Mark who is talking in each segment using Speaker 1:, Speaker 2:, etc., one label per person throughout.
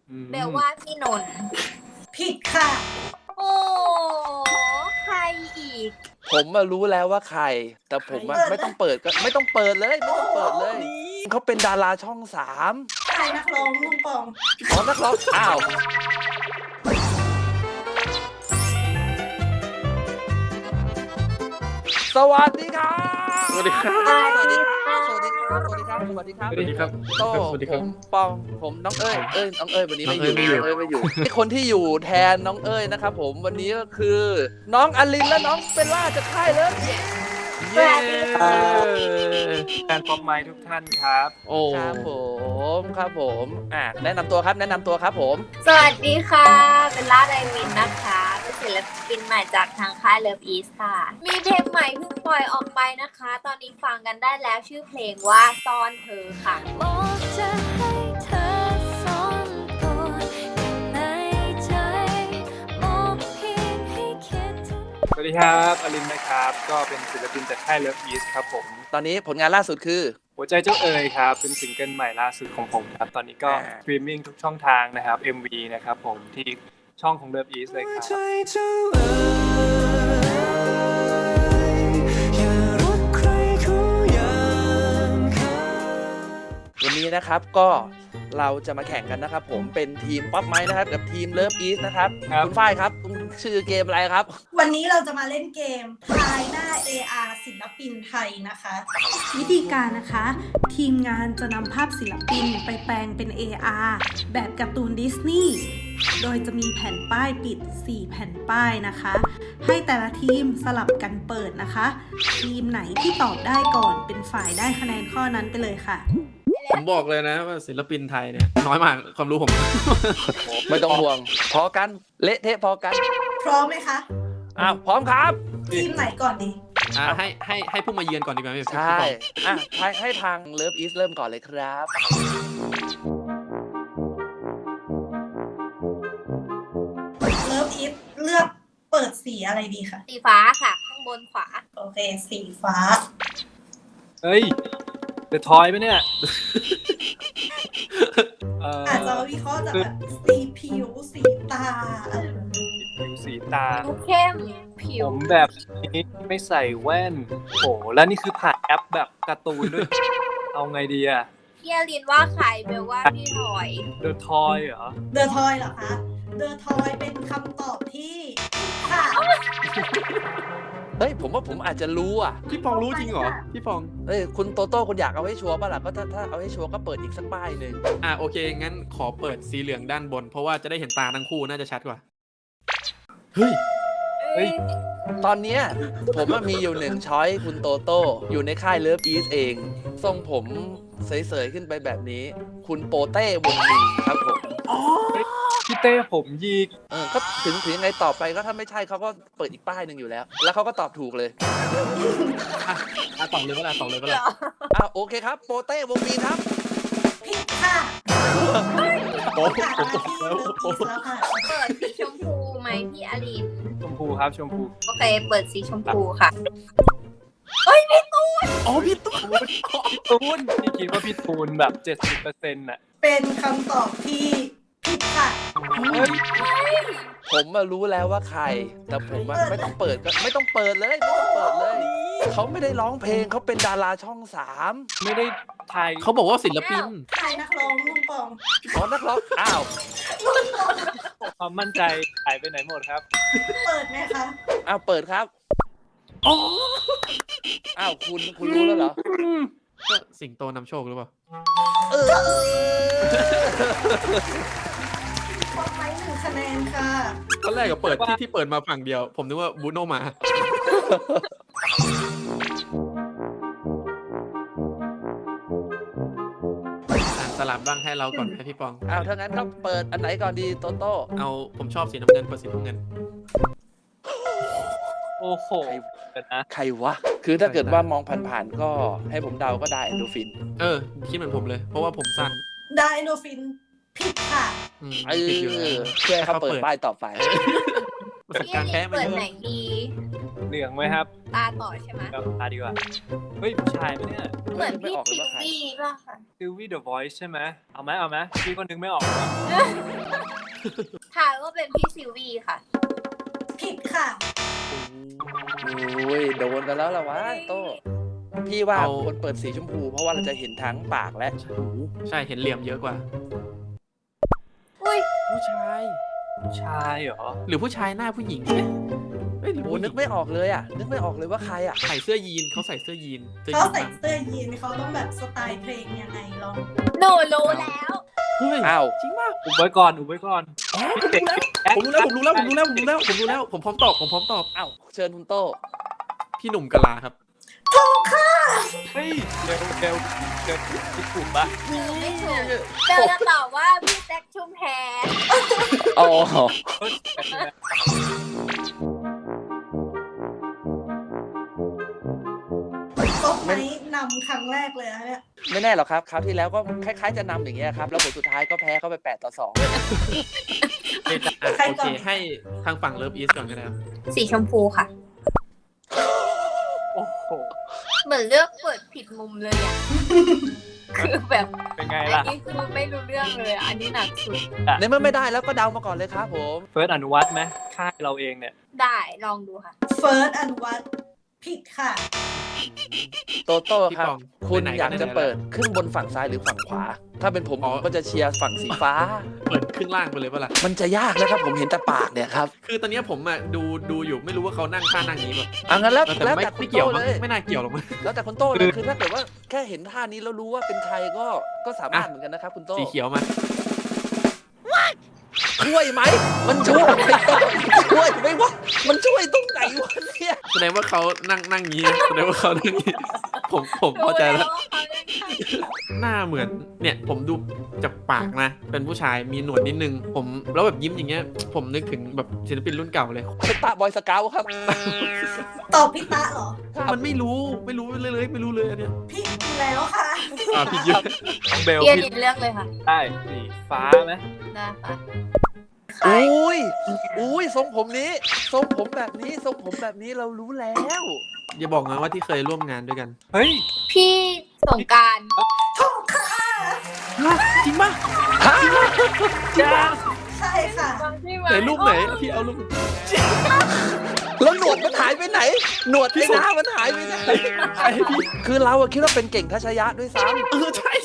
Speaker 1: เบลว่าพี่นนท์ผิดค่ะโอ้ใครอีก
Speaker 2: ผมมารู้แล้วว่าใครแต่ผมไม่ต้องเปิดก็ไม่ต้องเปิดเลยไม่ต้องเปิดเลยเขาเป็นดาราช่อง3
Speaker 1: ใครนักร้องลุงปอง
Speaker 2: อ๋อนักร้องอ้าวสวัสดีครับ
Speaker 3: สวัสดีครับ
Speaker 2: สวัสดีครับสวัสดีครับสวัสดีครับสวัสดีครับ
Speaker 3: สวัสดีครับ
Speaker 2: โต้
Speaker 3: สวัสดีค
Speaker 2: ผ
Speaker 3: รับ
Speaker 2: มปองผมน้องเอ้ยน้องเอ้ยวันนี้ไม่อยู่
Speaker 3: น้องเอ้ยไม่อยู่
Speaker 2: ไม่อยู่คนที่อยู่แทนน้องเอ้ยนะครับผมวันนี้ก็คือ น้องอลินและน้องเบลล่าจะค่ายเลย
Speaker 3: เย้
Speaker 4: แฟนป๊อปไม้ทุกท่านครับ
Speaker 3: โอ้
Speaker 2: ครับผมแนะนำตัวครับผม
Speaker 1: สวัสดีค่ะเบลล่าไดมินนะคะเป็นศิลปินใหม่จากทางค่ายเลิฟอีสค่ะ มีเพลงใหม่เพิ่งปล่อยออกไปนะคะ ตอนนี้ฟังกันได้แล้วชื่อเพลงว่าซ่อนเธอค่ะบอกจะให้เธอซ่อนก่อนในใจบอกเพียงให้คิดถึง
Speaker 4: สวัสดีครับอลินนะครับ ก็เป็นศิลปินจากค่าย Love East ครับผม
Speaker 2: ตอนนี้ผลงานล่าสุดคือ
Speaker 4: หัวใจเจ้าเอ๋ยครับ เป็นซิงเกิลใหม่ล่าสุดของผมครับ ตอนนี้ก็สตรีมมิ่งทุกช่องทางนะครับ MV นะครับผมที่ช่องของ Love East เลยครับ
Speaker 2: วันนี้นะครับก็เราจะมาแข่งกันนะครับผมเป็นทีมป๊อปไม้นะครับกับทีมเลิฟอีสนะครับ
Speaker 4: ครับ
Speaker 2: คุณฝ้ายครับคุณชื่อเกมอะไรครับ
Speaker 5: วันนี้เราจะมาเล่นเกมทายหน้า AR ศิลปินไทยนะคะ วิธีการนะคะ ทีมงานจะนำภาพศิลปินไปแปลงเป็น AR แบบการ์ตูนดิสนีย์โดยจะมีแผ่นป้ายปิด 4 แผ่นป้ายนะคะ ให้แต่ละทีมสลับกันเปิดนะคะ ทีมไหนที่ตอบได้ก่อนเป็นฝ่ายได้คะแนนข้อนั้นไปเลยค่ะ
Speaker 3: ผมบอกเลยนะว่าศิลปินไทยเนี่ยน้อยมากความรู้ผม
Speaker 2: ไม่ต้องห่วงพอกันเละเทะพอกัน
Speaker 5: พร้อมไหมคะ
Speaker 2: พร้อมครับ
Speaker 5: ทีมไหนก่อนดี
Speaker 3: ให้ผู้มาเยือนก่อนดีกว่าไหมพี่
Speaker 2: ใช่
Speaker 3: พี่ปอง
Speaker 2: ให้ทางเลิฟอีสเริ่มก่อนเลยครับ
Speaker 5: เลิฟอีฟเลือกเปิดสีอะไรดีคะ
Speaker 1: สีฟ้าค่ะ ข้างบนขวา
Speaker 5: โอเค สีฟ้า
Speaker 4: เฮ้ยเดอะทอยไหมเนี่ย
Speaker 5: อาจจะวิเคราะห์จากแบบสีผิว สีตาอะไรแบบนี้
Speaker 4: ผิวสีตา
Speaker 1: ดูเข้มผิว
Speaker 4: ผมแบบนี้ไม่ใส่แว่น โอ้แล้วนี่คือผ่านแอปแบบการ์ตูนด้วย เอาไงดีอะ
Speaker 1: พี่อลินว่าใครเบลว่าพี่ถอย
Speaker 4: เดอะทอยเหรอ
Speaker 5: เดอะทอยเหรอคะ เดอะทอยเป็นคำตอบที่ค่ะ
Speaker 2: เฮ้ยผมว่าผมอาจจะรู้อ่ะ
Speaker 3: พี่ปองรู้จริงเหรอพี่ปอง
Speaker 2: คุณโตโต้คุณอยากเอาให้ชัวร์ป่ะล่ะก็ถ้าเอาให้ชัวร์ก็เปิดอีกสักป้ายหนึ่ง
Speaker 3: โอเคงั้นขอเปิดสีเหลืองด้านบน เพราะว่าจะได้เห็นตาทั้งคู่น่าจะชัดกว่าเฮ้ย
Speaker 4: เฮ้ย
Speaker 2: ตอนเนี้ยผมว่ามีอยู่หนึ่งช้อยคุณโตโต้อยู่ในค่ายเลิฟอีสเองทรงผมเสยๆขึ้นไปแบบนี้ คุณโปเต้วงมินครับผม
Speaker 4: พี่เต้ผมยีก
Speaker 2: ก็ถึงยังไงต่อไปก็ถ้าไม่ใช่เขาก็เปิดอีกป้ายหนึ่งอยู่แล้ว แล้วเขาก็ตอบถูกเลย
Speaker 3: ต่อเลยเวลาต่อเลยเวลา
Speaker 2: โอเคครับโปเต้วงมินครับ
Speaker 5: ผิดค่ะ
Speaker 3: โอ้
Speaker 5: ค่ะมาที่เลิฟอีฟแล้วค่ะ
Speaker 1: เปิดสีชมพูไหมพี่อลิน
Speaker 4: ชมพูครับชมพู
Speaker 1: โอเค เปิดสีชมพูค่ะ
Speaker 3: อ๋อพี่ตุ๊ก
Speaker 4: พี่ตูนพี่คิดว่าพี่ตูนแบบ 70%น่ะ
Speaker 5: เป็นคำตอบที่ผิดค่ะ
Speaker 4: เฮ้ย
Speaker 2: ผมมารู้แล้วว่าใคร แต่ผมไม่ต้องเปิดก็ไม่ต้องเปิดเลยไม่ต้องเปิดเลยเขาไม่ได้ร้องเพลงเขาเป็นดาราช่อง3
Speaker 4: ไม่ได้ไทย
Speaker 3: เขาบอกว่าศิลปิน
Speaker 5: ใครนักร้องลุงปอง
Speaker 2: อ๋อนักร้อง
Speaker 4: ความมั่นใจหายไปไหนหมดครับ
Speaker 5: เปิดไหมคะ
Speaker 2: เปิดครับคุณรู้แล้วเหรอ
Speaker 3: ก็สิงโตนำโชคหรือเปล่า
Speaker 5: ปอกไม้1 คะแนนค่ะ
Speaker 3: ตอนแรกก็เปิดที่เปิดมาฝั่งเดียว ผมนึกว่าบูโนมาสลับบ้างให้เราก่อนไหมพี่ปอง
Speaker 2: ถ้างั้นก็เปิดอันไหนก่อนดีโตโต้
Speaker 3: ผมชอบสีน้ำเงินเปิดสีน้ำเงิน
Speaker 4: โอ้โหเดี๋ยวนะ
Speaker 2: ใครวะ คือถ้าเกิดว่ามองผ่านๆก็ให้ผมเดาก็ได้แอนโดฟิน
Speaker 3: คิดเหมือนผมเลย เพราะว่าผมสั้น
Speaker 5: ไดโนฟิน ผิดค่ะ
Speaker 3: ผิดอยู่แล้ว
Speaker 2: เพื่อให้เขาเปิดป้ายต่อไป
Speaker 3: ประสบ
Speaker 1: พี่อ
Speaker 3: การณ์
Speaker 1: ลิ
Speaker 3: แพ้
Speaker 1: น
Speaker 3: มา
Speaker 1: เปิด
Speaker 3: เยอะ
Speaker 1: ไหนดี
Speaker 4: เหลืองไหมครับ
Speaker 1: ตาต่อใช่ไหม
Speaker 4: กับตาดีกว่า เฮ้ยผู้ชายไหมเนี่ย
Speaker 1: เหมือนพี่
Speaker 2: ไม่ออกเลย
Speaker 1: ทิว
Speaker 2: ว่าใคร
Speaker 1: บี้ป่ะค่ะ
Speaker 4: ซิลวี่เดอะวอยซ์ใช่ไหมเอาไหมพี่ก็นึกไม่ออกหรอ
Speaker 1: ทายว่าเป็นพี่ซิลวี่ค่ะ
Speaker 5: ผิดค่ะ
Speaker 2: โอ้ยโดนกันแล้วล่ะวะโต้พี่ว่า
Speaker 3: เอา
Speaker 2: คนเปิดสีชมพู เพราะว่าเราจะเห็นทั้งปากและหู
Speaker 3: ใช่เห็นเหลี่ยมเยอะกว่า
Speaker 1: อุ้ย
Speaker 3: ผู้ชาย
Speaker 4: ชายเหรอ
Speaker 3: หรือผู้ชายหน้าผู้หญิงเนี่ยเอ้ยหรือ
Speaker 2: โอ้
Speaker 3: ผู้หญิ
Speaker 2: นึ
Speaker 3: ง
Speaker 2: กไม่ออกเลยอ่ะ นึกไม่ออกเลยว่าใครอ่ะ
Speaker 3: ใส่เสื้อยีนเขาใส่เสื้อยีน
Speaker 5: เขาใส่
Speaker 3: ดำ
Speaker 5: เสื้อยีนเขาต้องแบบสไตล์เพลงยังไงลอง
Speaker 1: หนูรู้แล้ว
Speaker 3: เฮ้ย
Speaker 2: อ้าว
Speaker 3: จริงป่ะ
Speaker 4: อุบไว้ก่อน อุบไว้ก่อน
Speaker 3: ผมรู้แล้วผมพร้อมตอบ
Speaker 2: อ้าวเชิญคุณโต้
Speaker 3: พี่หนุ่มกะลาครับ
Speaker 4: เฮ้ยเร็วคิดถูกปะ
Speaker 1: ไม่ถูกเบลจะตอบว่าพี่แจ็คชุมแพ
Speaker 2: อ๋อ
Speaker 4: เฮ้ย
Speaker 5: โต๊ะไหมนำครั้งแรกเลยนะเนี่ย
Speaker 2: ไม่แน่หรอกครับ คราวที่แล้วก็คล้ายๆจะนำอย่างเงี้ยครับ แล้วผลสุดท้ายก็แพ้เข้าไป8-2
Speaker 5: ใคร
Speaker 3: โอ
Speaker 5: ก่
Speaker 3: เค
Speaker 5: อน
Speaker 3: ให้ทางฝั่งเลิฟอีสก่อนก็ได้ครับ
Speaker 1: สีชมพูค่ะ
Speaker 4: โอ้โห
Speaker 1: เหมือนเลือกเปิดผิดมุมเลยอ่ะ คือแบบ
Speaker 4: เป็นไง
Speaker 1: อัน
Speaker 4: ล่ะ
Speaker 1: นี้คือไม่รู้เรื่องเลยอะอันนี้หนักสุด
Speaker 2: ในเมื่อไม่ได้แล้วก็เดามาก่อนเลยครับผม
Speaker 4: เฟิร์สอนุวัฒน์ไหมค่ายเราเองเนี่ย
Speaker 1: ได้ลองดูค่ะ
Speaker 5: เฟิร์สอันวัตผิดค่ะ
Speaker 2: โตโต้ครับ
Speaker 3: พี่ปอง
Speaker 2: คุณ
Speaker 3: ไหนๆ
Speaker 2: อยาก
Speaker 3: ก็
Speaker 2: จะ
Speaker 3: ไหนๆ
Speaker 2: เปิดครึ่งบนฝั่งซ้ายหรือฝั่งขวา ถ้าเป็นผม
Speaker 3: อ๋อ
Speaker 2: ผมก็จะเชียร์ฝั่งสีฟ้า
Speaker 3: เปิดครึ่งล่างไปเลยป่ะล่ะ
Speaker 2: มันจะยากนะครับ ผมเห็นแต่ปากเนี่ยครับ
Speaker 3: คือตอนเนี้ยผมอ่ะดูอยู่ไม่รู้ว่าเขานั่งท่านั่งนี้แบบ
Speaker 2: อ่ะงั้นแล้ว
Speaker 3: แต่
Speaker 2: แล้ว
Speaker 3: ไม่
Speaker 2: แต่คุ
Speaker 3: ไม่
Speaker 2: ณ
Speaker 3: เกี่ยว
Speaker 2: โต้
Speaker 3: มั้ง
Speaker 2: เลย
Speaker 3: ไม่น่าเกี่ยวหรอกมั้ง
Speaker 2: แล้วแต่คุณโต้เลยคือถ้าเกิดว่าแค่เห็นท่านี้แล้วรู้ว่าเป็นใครก็สามารถเหมือนกันนะครับคุณโต้
Speaker 3: สีเขียวมา
Speaker 2: ช่วยไหมมันช่วยไหมช่วยไหมวะมันช่วยตรงไหนวะเนี่ย
Speaker 3: แสดงว่าเขานั่งงี้นะแสดงว่าเขานั่งงี้ผมเข้าใจแล้ว
Speaker 1: รู้ว่าเขาเล่นใคร
Speaker 3: หน้าเหมือนเนี่ยผมดูจากปากนะ เป็นผู้ชายมีหนวดนิดนึง ผมแล้วแบบยิ้มอย่างเงี้ย ผมนึกถึงแบบศิลปินรุ่นเก่าเลย
Speaker 2: เป็นตาบอยสเกาต์ครับ
Speaker 5: ตอบพี่ตะเหรอ
Speaker 3: มันไม่รู้เลยอันเนี้ย
Speaker 5: พี่ดูแล้วค่ะ
Speaker 3: ผิดเยอะ
Speaker 4: น้องเบล
Speaker 1: เรียน
Speaker 4: พี่
Speaker 1: เลือกเลยค่ะ
Speaker 4: ได้สีฟ้าไหม
Speaker 1: ได้ค่ะ
Speaker 2: อุ้ยทรงผมนี้ทรงผมแบบนี้ทรงผมแบบนี้เรารู้แล้ว
Speaker 3: อย่าบอกนะว่าที่เคยร่วมงานด้วยกัน
Speaker 4: เฮ้ย
Speaker 1: พี่สงกราร
Speaker 5: ถูกค่ะ
Speaker 3: จริงป่ะ
Speaker 2: ฮะ
Speaker 5: ใช่ค่ะ
Speaker 3: ไหนรูปไหนพี่เอารูป
Speaker 2: แล้วหนวดมันหายไปไหน หนวดไอ้หน้ามันหายไปไหน
Speaker 3: ใช่พี่
Speaker 2: คือเราอะคิดว่าเป็นเก่งทัชยะด้วยซ้
Speaker 3: ใช่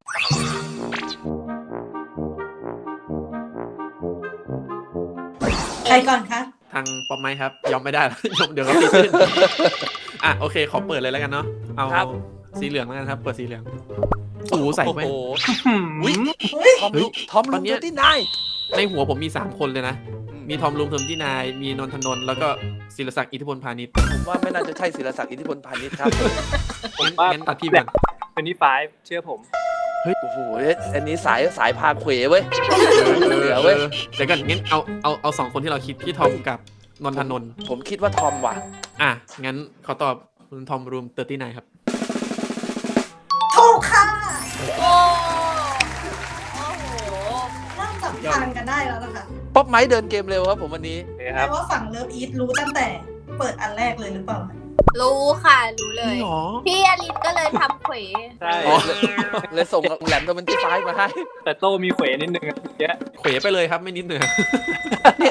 Speaker 5: ใครก่อนคะ
Speaker 3: ทางปอมไม้ครับ ยอมไม่ได้แล้วยอมเดี๋ยวเขาตีตื้นอ่ะโอเคขอเปิดเลยแล้วกันเนาะเอาสีเหลืองแล้วกันครับ เปิดสีเหลืองโอ้โห
Speaker 2: ำ
Speaker 3: ใส่
Speaker 2: โอ้
Speaker 3: แว่
Speaker 2: โห
Speaker 3: น
Speaker 2: อุ๊ยทอม
Speaker 3: เฮ้ย
Speaker 2: ทอม
Speaker 3: ต
Speaker 2: ลุ
Speaker 3: อน
Speaker 2: ง
Speaker 3: เนี้
Speaker 2: เจ
Speaker 3: ย
Speaker 2: อที่นาย
Speaker 3: ในหัวผมมี3คนเลยนะ มีทอมลุงเทอมที่นาย มีนนทนนท์แล้วก็ศิลศักดิ์อิทธิพลพาณิชย์
Speaker 2: ผมว่าไม่น่าจะใช่ศิลศักดิ์อิทธิพลพาณิชย์ครับ
Speaker 3: งั้นตัดพี่ไปก่อน
Speaker 4: เป็นนี่ไฟเชื่อผม
Speaker 2: โอ้โหอันนี้สายพาเขวเว้ย เหลือเว้ย
Speaker 3: เดี๋ยวก่อนงั้นเอา2คนที่เราคิดพี่ทอมกับนนทนนท์
Speaker 2: ผมคิดว่าทอมว่ะ
Speaker 3: อ่ะงั้นขอตอบคุณทอมรูม39ครับ
Speaker 5: ถูกค่ะ
Speaker 1: โอ้โห
Speaker 5: เริ่มจับทางกันได้แล้วนะคะ
Speaker 2: ป๊อปไม้เดินเกมเร็วครับผมวันนี้
Speaker 4: โอเคค
Speaker 5: แปล
Speaker 4: รับ
Speaker 5: ว่าฝั่งเลิฟอีทรู้ตั้งแต่เปิดอันแรกเลยหรือเปล่า
Speaker 1: รู้ค่ะรู้เลย
Speaker 3: หรอ
Speaker 1: พี่อลินก็เลยทำเขว
Speaker 4: ใช่
Speaker 2: อ๋อ เลยส่งแหลมตัวมันที่ซ้ายมาให้
Speaker 4: แต่โต้มีเขวนิดนึงอะเยอะ
Speaker 3: เขวไปเลยครับไม่นิดเหนือ
Speaker 2: เนี่ย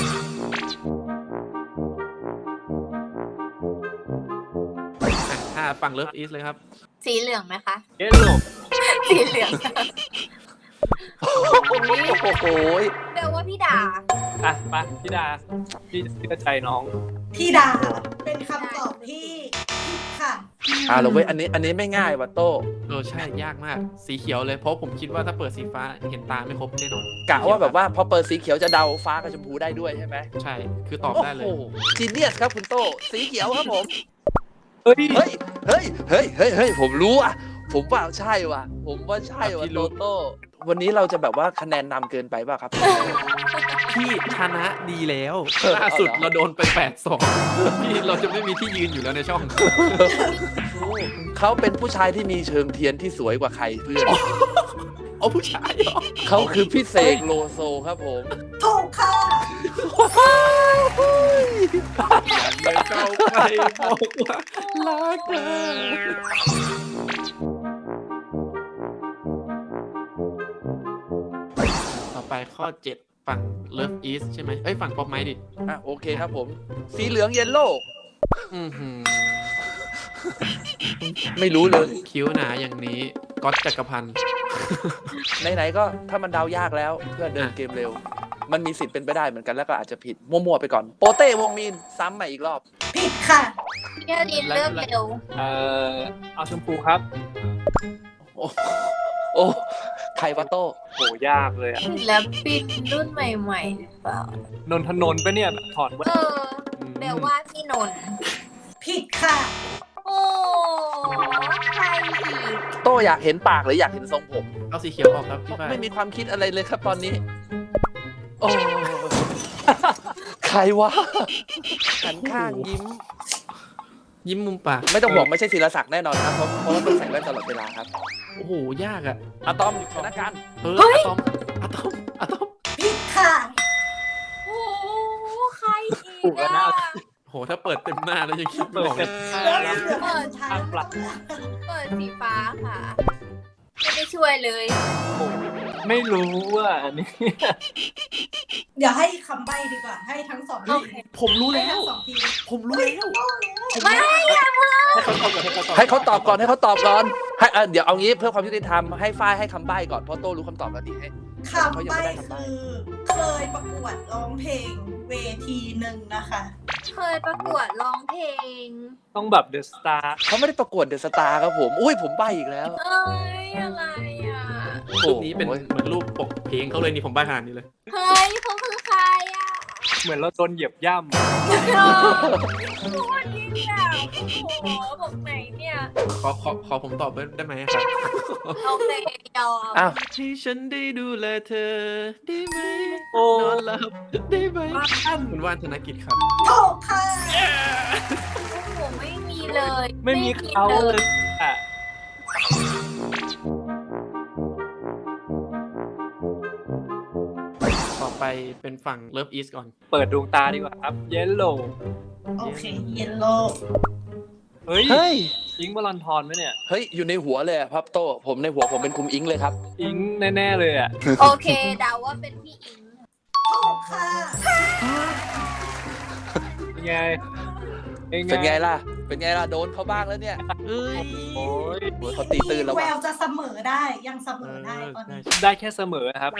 Speaker 3: ถ้าฝั่งเลิฟอีสเลยครับ
Speaker 1: สีเหลืองไหมคะ
Speaker 4: เยอะลูก
Speaker 1: สีเหลือง
Speaker 2: โอ้โห
Speaker 1: เบลว่าพี่ดา
Speaker 4: อ่ะไปพี่ดาพี่เชื่อใจน้อง
Speaker 5: พี่ดาเป็นคำตอบที่ผิดค่ะ
Speaker 2: เราเว้ยอันนี้ไม่ง่ายว่ะโต้
Speaker 3: ใช่ยากมากสีเขียวเลยเพราะผมคิดว่าถ้าเปิดสีฟ้าเห็นตาไม่ครบแน่นอน
Speaker 2: กะว่าแบบว่าพอเปิดสีเขียวจะเดาฟ้ากับชมพูได้ด้วยใช่ไหม
Speaker 3: ใช่คือตอบได้เลย
Speaker 2: โอ้โหจีเนียสครับคุณโต้สีเขียวครับผม
Speaker 4: เฮ้ย
Speaker 2: เฮ้ยผมรู้อ่ะผมว่าใช่ว่ะผมว่าใช่ว่ะ
Speaker 3: พี่รู้
Speaker 2: โตโต้วันนี้เราจะแบบว่าคะแนนนำเกินไปป่ะครับ
Speaker 3: พี่ชนะดีแล้ว
Speaker 2: เออ
Speaker 3: ล่าสุด
Speaker 2: เอาเหรอ
Speaker 3: เราโดนไป8-2พี่เราจะไม่มีที่ยืนอยู่แล้วในช่อง
Speaker 2: เขาเป็นผู้ชายที่มีเชิงเทียนที่สวยกว่าใครเพื่อน
Speaker 3: เอาผู้ชายเหรอ
Speaker 2: เขาคือพี่เสกโลโซครับผม
Speaker 5: ถูกค่ะ
Speaker 3: ไม่เข้าไปบอกว่ารักเธอต่อไปข้อ 7 ฝั่ง Love East ใช่ไหมเอ้ยฝั่งป๊อปไม้ดิ
Speaker 2: อ่ะโอเคครับผม สีเหลืองเยลโล่
Speaker 3: อือหือ
Speaker 2: ไม่รู้เลย
Speaker 3: คิ้วหนาอย่างนี้ก๊อตจักรพันธ์
Speaker 2: ไหนๆก็ถ้ามันเดายากแล้วเพื่อเดินเกมเร็ว มันมีสิทธิ์เป็นไปได้เหมือนกันแล้วก็อาจจะผิดมั่วๆไปก่อน โปเต้วงมีนซ้ำใหม่อีกรอบ
Speaker 5: ผิดค่ะ
Speaker 1: พี่อลินเลือกเร็ว
Speaker 4: เอาชมพูครับ
Speaker 2: โอ้โอ้ใครวะโต้
Speaker 4: โหยากเลยอะ
Speaker 1: ศิลปินรุ่นใหม่ๆหรือเปล่าน
Speaker 4: นทนนท์ปะเนี่ยถอดแว่น
Speaker 1: เบลว่าพี่นนท์
Speaker 5: ผิดค่ะ
Speaker 1: โอ้ใครอีก
Speaker 2: โต้อยากเห็นปากหรืออยากเห็นทรงผม
Speaker 3: เอาสีเขียวออกครับพี่ฝ้าย
Speaker 2: ไม่มีความคิดอะไรเลยครับตอนนี้ โอ้ ใครวะหันข้างยิ้ม
Speaker 3: ยิ้มมุมปาก
Speaker 2: ไม่ต้องบอกไม่ใช่ศิลศักดิ์แน่นอนครับเพราะว่าต้องใส่แว่นตลอดเวลาครับ
Speaker 3: โอ้โหยากอ่ะ
Speaker 2: อะตอมชนะการ
Speaker 3: อะตอมอะตอมอะตอม
Speaker 5: ผิดค่ะ
Speaker 1: โอ้ใครอี
Speaker 4: ถู
Speaker 1: ก
Speaker 4: กแล้ว
Speaker 1: อ่ะ
Speaker 4: นะ
Speaker 3: โหถ้าเปิดเต็มหน้าแล้วยังคิดไม่ออกเลย
Speaker 5: เริ่มเหลือคนสุดท้าย
Speaker 1: เปิดสีฟ้าค่ะ ไม่ได้ช่วยเลย
Speaker 4: ไม่รู้อ่ะอันนี้
Speaker 5: เดี๋ยวให้คำใบ้ดีกว่า ให้ทั้งสองที
Speaker 3: ผมรู้
Speaker 5: ให้
Speaker 3: แล้
Speaker 5: ทั้
Speaker 3: ว
Speaker 5: งสองที
Speaker 3: ผมรู้แล้ว
Speaker 1: ไม่อย่าเพิ่ง
Speaker 2: ให้เขาตอบก่อนให้เขาตอบก่อนให้เดี๋ยวเอางี้เพื่อความยุติธรรมให้ฝ้ายให้คำใบ้ก่อนเพราะโต้รู้คำตอบแล้วดีให้
Speaker 5: คำใบ้คือเคยประกวดร้องเพลงเวทีหนึ่งนะคะ
Speaker 1: เคยประกวดร้องเพลง
Speaker 4: ต้องแบบเดอะสตาร์
Speaker 2: เขาไม่ได้ประกวดเดอะสตาร์ครับผม อุ้ยผมใบ้อีกแล้ว
Speaker 1: เอ้ยอะไรอ่ะ
Speaker 3: รูปนี้เป็นเหมือนรูปปกเพลงเขาเลยนี่ผมใบ้ขนาดนี้เลย
Speaker 1: เฮ้ยเขาคือใครอ่ะ
Speaker 4: เหมือนเราโดนเหยียบย่
Speaker 1: โอ้พูดยิ่งแบบโอ้โหบอกไหนเนี่ย
Speaker 3: ขอผมตอบได้ไหมครับ
Speaker 1: โอเคยอม
Speaker 2: อ้าว
Speaker 3: ให้ฉันได้ดูแลเธอได้ไหม
Speaker 4: ำโอ้
Speaker 3: นอนหลับได้ไหมคุณว่านธนกิจครับ
Speaker 5: ถูกค่ะ
Speaker 1: โอ้โหไม่มีเลย
Speaker 4: ไม่มีเขาเลยอ่ะ
Speaker 3: ต่อไปเป็นฝั่ง Love East ก่อน
Speaker 4: เปิดดวงตาดีกว่าครับ เยลโล่
Speaker 5: โอเค เยลโล่
Speaker 4: เฮ้ย
Speaker 2: เฮ้ย
Speaker 4: อิงค์วลันทรไหมเนี่ย
Speaker 2: เฮ้ย อยู่ในหัวเลยอะครับโต้ผมในหัวผมเป็นคุมอิงเลยครับ
Speaker 4: อิงค์แน่ๆเลยอ่ะ
Speaker 1: โอเคเดาว่าเป็นพี่อิง
Speaker 5: ถูกค่ะ
Speaker 4: เป็นไง
Speaker 2: เป็นไงล่ะ เป็นไงล่ะ โดนเขาบ้างแล้วเนี่ย
Speaker 3: เอ้ย
Speaker 4: โอ้ย
Speaker 2: โอ้ยเขาตีตื่นแล้ว
Speaker 5: แว
Speaker 2: ว่ะ
Speaker 5: วจะเสมอได้ ยังเสมอได้ตอนนี้
Speaker 4: ได้แค่เสมอครับ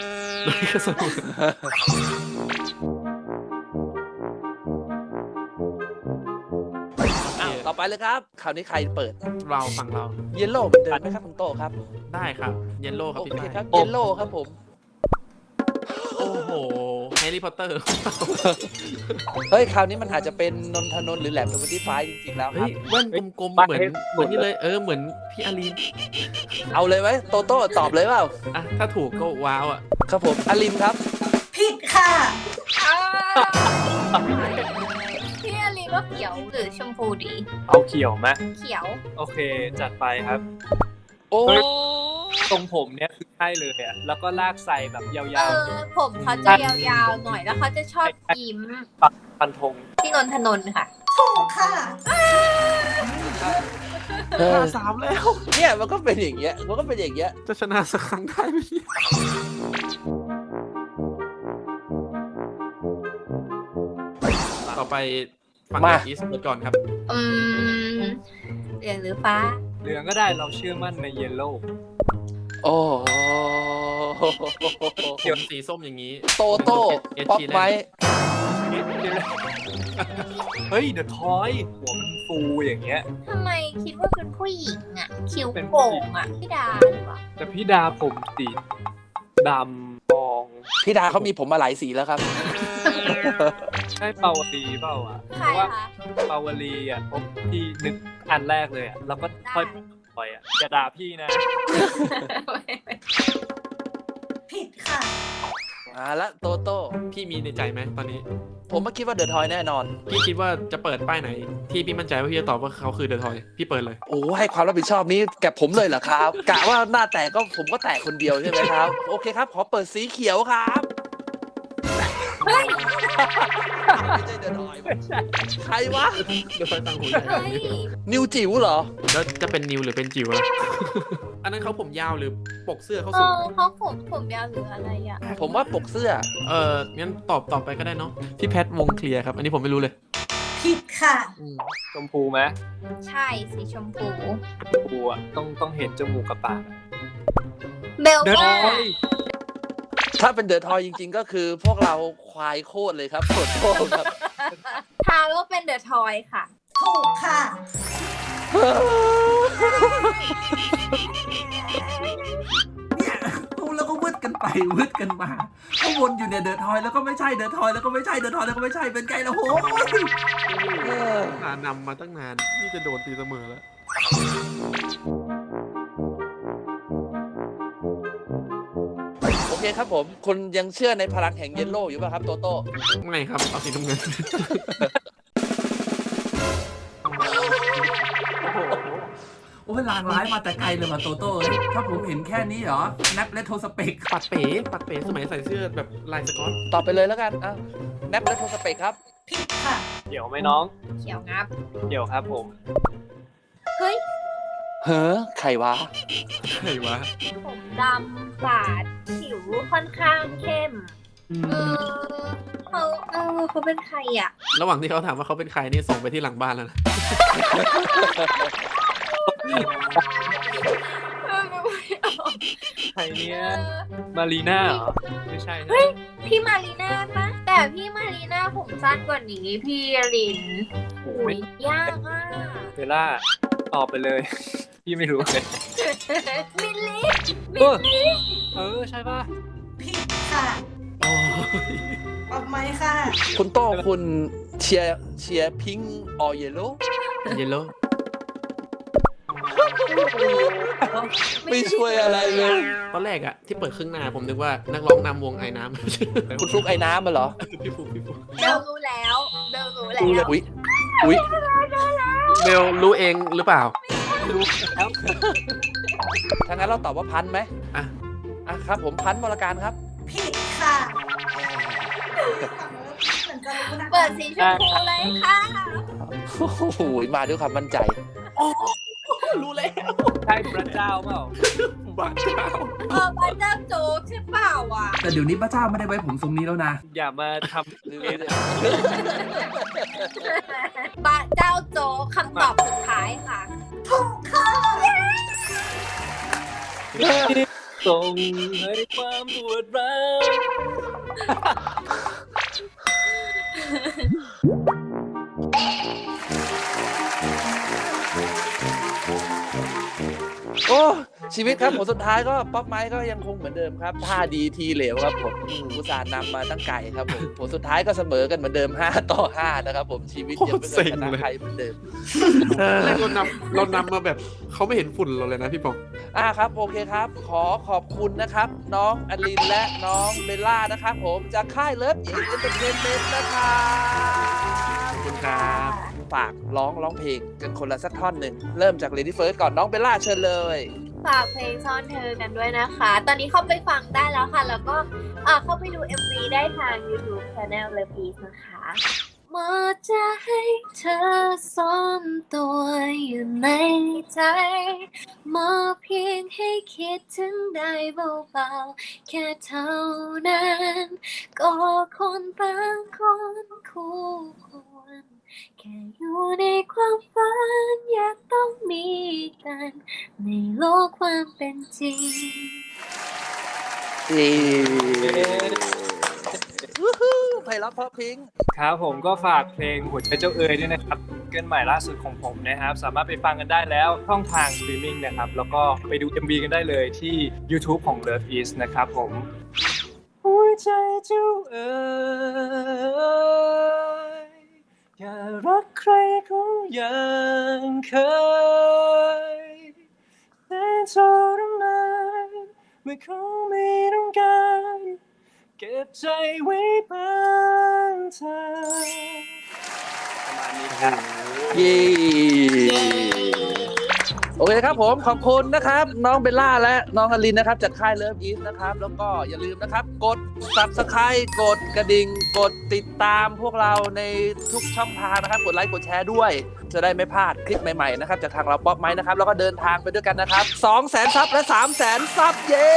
Speaker 2: อ้าวต่อไปเลยครับ คราวนี้ใครเปิด
Speaker 3: เราฝั่งเรา
Speaker 2: เยลโล่เหมือนเดิมไหมครับคุณโต้ครับ
Speaker 3: ได้ครับเยลโล่ครับ
Speaker 2: โอ
Speaker 3: พี่
Speaker 2: เค
Speaker 3: ฝ้าย
Speaker 2: ครับ เยลโล่ครับผม
Speaker 3: โอ้โหแฮร์รี่พอตเตอร์
Speaker 2: เฮ้ย คราวนี้มันอาจจะเป็นนนทนนท์หรือแหลม25จริงๆแล้วค
Speaker 3: เฮ้
Speaker 2: รับ
Speaker 3: ยแว่นกลมๆ
Speaker 4: บ้าน
Speaker 3: เหมือน
Speaker 4: ให้ห
Speaker 3: เห
Speaker 4: ม
Speaker 3: มือ
Speaker 4: ด
Speaker 3: นนี่เลยเหมือนพี่อารีน
Speaker 2: เอาเลยไหมโตโต้ตอบเลยเปล่า
Speaker 3: อ่ะถ้าถูกก็ว้าวอ่ะ
Speaker 2: ครับผมอลินครับ
Speaker 5: ผิดค่ะ
Speaker 1: อ้าวพี่อลินว่าเขียวหรือชมพูดี
Speaker 4: เอาเขียวไหม
Speaker 1: เขียว
Speaker 4: โอเค จัดไปครับ
Speaker 2: โอ้
Speaker 4: เฮ้ย ตรงผมเนี่ยคือใช่เลยอ่ะ แล้วก็ลากใส่แบบยา
Speaker 1: เอ
Speaker 4: ว
Speaker 1: อผมเขาจะยาวๆหน่อยแล้วเขาจะชอบยิ้ม
Speaker 4: ๆ ปันธง
Speaker 1: พี่นนทนนท์ค่ะ
Speaker 5: ถูกค่ะ
Speaker 2: เออ
Speaker 3: 3 แล้ว
Speaker 2: เนี่ยมันก็เป็นอย่างเงี้ย มันก็เป็นอย่างเงี้ย
Speaker 3: จะชนะสักครั้งได้ไหมเนี่ยต่อไปฝั่ง
Speaker 2: มา
Speaker 3: อีสเปิดก่อนครับ
Speaker 1: อืมเหลืองหรือฟ้า
Speaker 4: เหลืองก็ได้เราเชื่อมั่นในเยลโล่
Speaker 2: โอ้
Speaker 3: ผมสีส้มอย่างนี้
Speaker 2: โตโต้
Speaker 3: เอส
Speaker 2: ป๊อป
Speaker 3: ชีแล
Speaker 2: ไม้
Speaker 3: นด์
Speaker 4: เฮ้ย เดอะทอยหัวมันฟูอย่างเงี้ย
Speaker 1: ทำไมคิดว่าเป็นผู้หญิงอ่ะ คิ้ว
Speaker 4: เป็นผู้
Speaker 1: โป่
Speaker 4: หญิ
Speaker 1: ง
Speaker 4: ง
Speaker 1: อ่ะพี่ดาหรือเปล่า แต่
Speaker 4: แต่พี่ดาผมสีดำทอง
Speaker 2: พี่ดาเขามีผมมาหลายสีแล้วครับ
Speaker 4: ใช่เปาวลีเปล่าอ่ะ
Speaker 1: ใค
Speaker 4: เพ
Speaker 1: ร
Speaker 4: ราะว่า
Speaker 1: คะ
Speaker 4: เปาวลีอ่ะผมที่นึกอันแรกเลยอ่ะ แล้วก็ค่อยปล่อยอ่ะอย่าด่าพี่นะ
Speaker 5: ผิดค่ะ
Speaker 2: ละโตโต้
Speaker 3: พี่มีในใจไหมตอนนี้
Speaker 2: ผมก็คิดว่าเดอะทอยแน่นอน
Speaker 3: พี่คิดว่าจะเปิดป้ายไหน ที่พี่มั่นใจว่าพี่จะตอบว่าเขาคือเดอะทอย พี่เปิดเลย
Speaker 2: โอ้ให้ความรับผิดชอบนี้แก่ผมเลยเหรอครับ กะว่าหน้าแตกก็ผมก็แตกคนเดียวใช่ไหมครับ โอเคครับ ขอเปิดสีเขียวครับ
Speaker 1: เฮ้ย
Speaker 2: ไม่ใช่เดอะทอยใครวะ
Speaker 3: เดี๋ยวไปตังหูใหญ่
Speaker 1: เฮ้ย
Speaker 2: นิวจิ๋วเหรอ
Speaker 3: แล้วจะเป็นนิวหรือเป็นจิ๋วล่ะ อันนั้นเขาผมยาวหรือปกเสื้อเขา
Speaker 1: เอ
Speaker 3: สูง
Speaker 1: อเขาผมยาวหรืออะไรอ่ะ
Speaker 2: ผมว่าปกเสื้อ
Speaker 3: งั้นตอบไปก็ได้เนาะพี่แพทวงเคลียร์ครับ อันนี้ผมไม่รู้เลย
Speaker 5: ผิดค่ะ
Speaker 4: ชมพูไหม
Speaker 1: ใช่สีชมพู
Speaker 4: ชมพูอ่ะต้องเห็นจมูกกับปาก
Speaker 1: เบล
Speaker 4: เดิน
Speaker 1: ว่า
Speaker 4: ไป
Speaker 2: ถ้าเป็นเดอะทอยจริงๆ ก็คือพวกเราควายโคตรเลยครับขอโทษครับ
Speaker 1: ทายว่าเป็นเดอะทอยค่ะ
Speaker 5: ถูกค่ะ
Speaker 6: เนี่ยพูดแล้วก็วืดกันไปวืดกันมาก็วนอยู่เนี่ยเดอะทอยแล้วก็ไม่ใช่เดอะทอยแล้วก็ไม่ใช่เดอะทอยแล้วก็ไม่ใช่เป็นไงล่ะโหย
Speaker 3: นำมาตั้งนาน นี่จะโดนตีเสมอแล้ว
Speaker 2: โอเคครับผม คุณยังเชื่อในพลังแห่งเยลโล่อยู่ป่ะครับโตโต้
Speaker 3: ไม่ครับ เอาสีน้ำเงิน
Speaker 6: โอ้ยลางร้ายมาแต่ไกลเลยว่ะโตโต้เอ้ยถ้าผมเห็นแค่นี้เหรอแนปเลโทสเปก
Speaker 3: ปัดเป๋สมัยใส่เสื้อแบบลายสก๊อต
Speaker 2: ตอบไปเลยแล้วกันอ่ะแนปและโทสเปกครับ
Speaker 5: ผิดค่ะ
Speaker 4: เดี๋ยวไหมน้อง
Speaker 1: เขียวงับ
Speaker 4: เดี๋ยวครับผม
Speaker 1: เฮ้ย
Speaker 2: เฮ้อใครวะ
Speaker 3: ใครวะ
Speaker 1: ผมดำปาดผิวค่อนข้างเข้ม เขาเป็นใครอ่ะ
Speaker 3: ระหว่างที่เขาถามว่าเขาเป็นใครนี่ส่งไปที่หลังบ้านแล้วนะ
Speaker 4: ใครเนี่ยมารีน่าเหรอ ไม่ใช่นะ
Speaker 1: เฮ้ย พี่มารีน่าปะแต่พี่มารีน่าผมสั้นกว่านี้พี่ลินโอ้ยยากอ่ะ
Speaker 4: เบลล่าตอบไปเลย พี่ไม่รู้เลย
Speaker 1: มิลลี่
Speaker 4: ใช่ป่ะ
Speaker 5: ผิดค่ะ
Speaker 3: โอ้ย
Speaker 5: ออกไหมค่ะ
Speaker 2: คุณโต้คุณเชียร์พิงออเยลโล่
Speaker 3: เยลโล่
Speaker 2: ไม่ช่วยอะไรเลย
Speaker 3: ตอนแรกอะที่เปิดครึ่งหน้าผมนึกว่านักร้องนำวงไอ้น้ำ
Speaker 2: คุณฟลุกไอ้น้ำมาเหรอ
Speaker 3: พี่ฟุก
Speaker 1: เบลรู้แล้วเบลรู้แล้ว
Speaker 2: อุ๊ยอุ๊ย
Speaker 3: เบลรู้เองหรือเปล่า
Speaker 4: รู้แล้ว
Speaker 2: ถ้างั้นเราตอบว่าพันไหม
Speaker 3: อ่ะ
Speaker 2: อ่ะครับ ผมพันวรการครับ
Speaker 5: ผิดค่ะเหมือนจะรู้นะ
Speaker 1: เปิดสีชมพูเลยค่ะ
Speaker 2: โอ้โหมาด้วยความมั่นใจ
Speaker 3: รู้แล้ว
Speaker 4: ใช่พระเจ้าเปล่า
Speaker 3: บ้าเจ้า
Speaker 1: บ้านเจ้าโจ๊กใช่เปล่าวะ
Speaker 6: แต่เดี๋ยวนี้พระเจ้าไม่ได้ไว้ผมทรงนี้แล้วนะ
Speaker 4: อย่ามาท
Speaker 2: หรือ
Speaker 4: ำเอ
Speaker 1: บ้านเจ้าโจ๊กคำตอบสุดท้ายค่ะ
Speaker 5: ถูกค่ะ
Speaker 4: ส่งให้ความปวดร้าว
Speaker 2: โอ้ชีวิตครับผลสุดท้ายก็ป๊อปไม้ก็ยังคงเหมือนเดิมครับท่าดีทีเหลวครับผมอุตส่าห์นำมาตั้งไกลครับผมผลสุดท้ายก็เสมอกันเหมือนเดิม5-5นะครับผมชีวิตยังไม่เคยชนะใครเหมือนเดิม
Speaker 3: แรกเรานำมาแบบเขาไม่เห็นฝุ่นเราเลยนะพี่ปอง
Speaker 2: ครับโอเคครับ ขอขอบคุณนะครับ น้องอลินและน้องเบลล่านะครับผมจากค่ายเลิฟอีกเอนเตอร์เทนเมนต์นะครับ
Speaker 3: ขอบคุณครับ
Speaker 2: ฝากร้องเพลงกันคนละสักท่อนหนึ่งเริ่มจาก Lady First ก่อนน้องเบลล่าเชิญเลย
Speaker 1: ฝากเพลงซ่อนเธอกันด้วยนะคะ ตอนนี้เข้าไปฟังได้แล้วค่ะ แล้วก็เข้าไปดู MV ได้ทาง YouTube Channel Love East นะคะหมดจะให้เธอซ่อนตัวอยู่ในใจมอบเพียงให้คิดถึงได้เบาๆแค่เท่านั้นก็คนบางคนคู่ควรแค่อยู่ในความฝันอยากต้องมีกันในโลกความเป็นจริง
Speaker 2: วู้ฮู้ไพเราะเพราะพริ้ง
Speaker 4: ครับผมก็ฝากเพลงหัวใจเจ้าเอ๋ยด้วยนะครับเกินใหม่ล่าสุดของผมนะครับ สามารถไปฟังกันได้แล้วช่องทางสตรีมมิ่งนะครับ แล้วก็ไปดู MV กันได้เลยที่ YouTube ของ Love East นะครับผมหัวใจเจ้าเอ๋ยอย่ารักใครเขาอย่างเคยแต่ทรมานเมื่อเขาไม่ต้องการเก็บใจไว้บ้างเธอประมาณนี้ครับ
Speaker 2: เย้โอเคครับผมขอบคุณนะครับน้องเบลล่าและน้องอลินนะครับจากค่ายเลิฟอีสนะครับแล้วก็อย่าลืมนะครับกด Subscribe กดกระดิ่งกดติดตามพวกเราในทุกช่องทางนะครับกดไลค์กดแชร์ด้วย จะได้ไม่พลาดคลิปใหม่ๆนะครับจากทางเราป๊อปไม้นะครับแล้วก็เดินทางไปด้วยกันนะครับ200,000 ซับและ 300,000 ซับเย้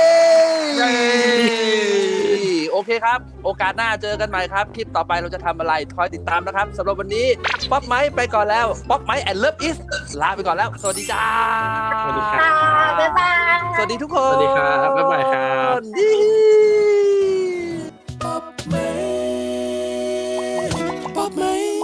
Speaker 2: โอเคครับโอกาสหน้าเจอกันใหม่ครับคลิปต่อไปเราจะทำอะไรคอยติดตามนะครับสำหรับวันนี้ป๊อปไม้ไปก่อนแล้วป๊อปไม้แอนด์เลิฟอีสลาไปก่อนแล้วสวัสดีจ้า
Speaker 3: สวัสดีครั
Speaker 1: ค่ะ
Speaker 3: บ
Speaker 1: บ๊ายบาย
Speaker 2: สวัสดีทุกคน
Speaker 3: สวัสดีครับบ๊ายบายครับ
Speaker 2: ป๊อปไม้